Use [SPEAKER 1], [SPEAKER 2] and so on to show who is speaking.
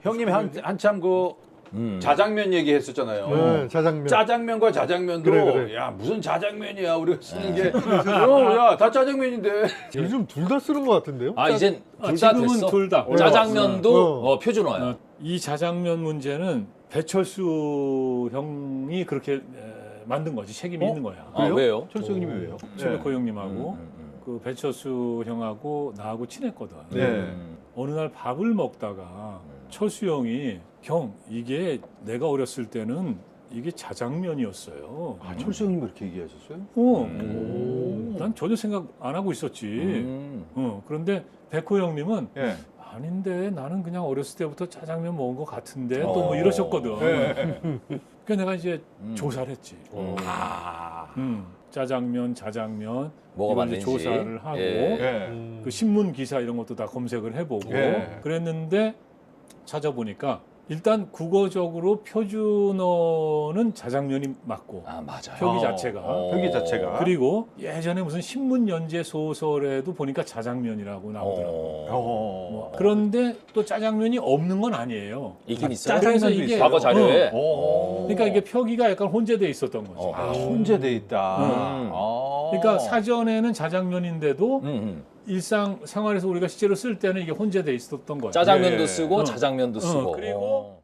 [SPEAKER 1] 형님 한참 그 자장면 얘기했었잖아요.
[SPEAKER 2] 네, 자장면.
[SPEAKER 1] 짜장면과 자장면도
[SPEAKER 2] 그래.
[SPEAKER 1] 야 무슨 자장면이야 우리가 쓰는 게 야다 짜장면인데
[SPEAKER 2] 요즘 둘 다 쓰는 것 같은데요?
[SPEAKER 3] 아 이젠 둘 다
[SPEAKER 4] 지금은
[SPEAKER 3] 됐어.
[SPEAKER 4] 둘 다.
[SPEAKER 3] 짜장면도 표준어야.
[SPEAKER 4] 이 자장면 문제는 배철수 형이 그렇게 만든 거지. 책임이 있는 거야.
[SPEAKER 3] 아, 왜요?
[SPEAKER 1] 철수 형님이 왜요?
[SPEAKER 4] 최백호 형님하고 그 배철수 형하고 나하고 친했거든.
[SPEAKER 1] 네.
[SPEAKER 4] 어느 날 밥을 먹다가 철수 형이 형 이게 내가 어렸을 때는 이게 자장면이었어요.
[SPEAKER 1] 아 철수 형님 그렇게 얘기하셨어요?
[SPEAKER 4] 난 전혀 생각 안 하고 있었지. 그런데 백호 형님은
[SPEAKER 1] 예.
[SPEAKER 4] 아닌데 나는 그냥 어렸을 때부터 짜장면 먹은 것 같은데 또 뭐 이러셨거든. 그래서 내가 이제 조사를 했지. 짜장면, 자장면
[SPEAKER 3] 뭐가
[SPEAKER 4] 이걸 이제
[SPEAKER 3] 맞는지.
[SPEAKER 4] 조사를 하고
[SPEAKER 3] 예.
[SPEAKER 4] 그 신문 기사 이런 것도 다 검색을 해보고
[SPEAKER 1] 예.
[SPEAKER 4] 그랬는데 찾아보니까 일단 국어적으로 표준어는 자장면이 맞고
[SPEAKER 3] 아 맞아요.
[SPEAKER 4] 표기 자체가
[SPEAKER 1] 표기 자체가.
[SPEAKER 4] 그리고 예전에 무슨 신문 연재 소설에도 보니까 자장면이라고 나오더라고. 뭐 그런데 또 짜장면이 없는 건 아니에요.
[SPEAKER 3] 있긴 있어요.
[SPEAKER 4] 그래서 이게
[SPEAKER 3] 과거 자료에.
[SPEAKER 4] 그러니까 이게 표기가 약간 혼재돼 있었던 거죠.
[SPEAKER 1] 아 혼재돼 있다.
[SPEAKER 4] 그러니까 사전에는 자장면인데도
[SPEAKER 3] 음.
[SPEAKER 4] 일상 생활에서 우리가 실제로 쓸 때는 이게 혼재돼 있었던 거예요.
[SPEAKER 3] 짜장면도
[SPEAKER 1] 예.
[SPEAKER 3] 쓰고 자장면도 쓰고.
[SPEAKER 4] 그리고